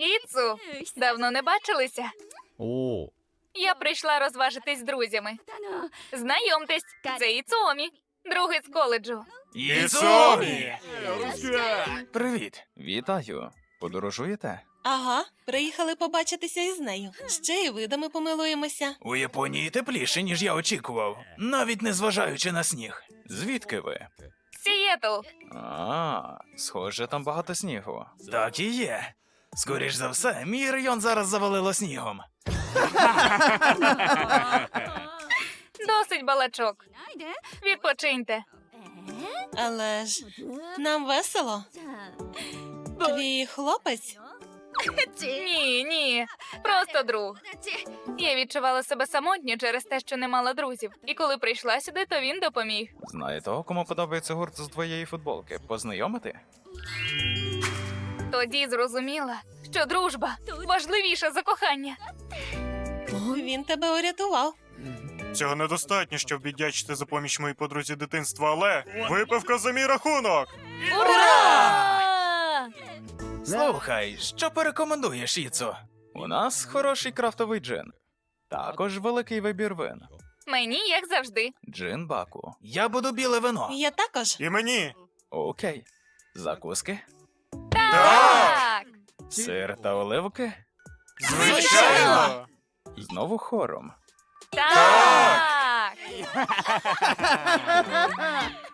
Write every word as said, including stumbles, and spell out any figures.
Іцу, давно не бачилися. О, Я прийшла розважитись з друзями. Знайомтесь, це Іцуомі, другий з коледжу. Іцумі! Привіт. Вітаю. Подорожуєте? Ага, приїхали побачитися із нею. Ще й видами помилуємося. У Японії тепліше, ніж я очікував, навіть не зважаючи на сніг. Звідки ви? Сієтл. А, схоже, там багато снігу. Так і є. Скоріш за все, мій район зараз завалило снігом. Досить балачок. Відпочиньте. Але ж нам весело. Твій хлопець? Ні, ні, просто друг. Я відчувала себе самотньо через те, що не мала друзів. І коли прийшла сюди, то він допоміг. Знає того, кому подобається гурт з твоєї футболки? Познайомити? Тоді зрозуміла, що дружба важливіша за кохання. Він тебе урятував. Цього недостатньо, щоб віддячити за поміч моїй подрузі дитинства, але випивка за мій рахунок! Ура! Слухай, що порекомендуєш, Іцу? У нас хороший крафтовий джин. Також великий вибір вин. Мені, як завжди. Джин баку. Я буду біле вино. Я також. І мені! Окей. Закуски? Так! Сир та оливки? Звичайно! Знову хором. Так!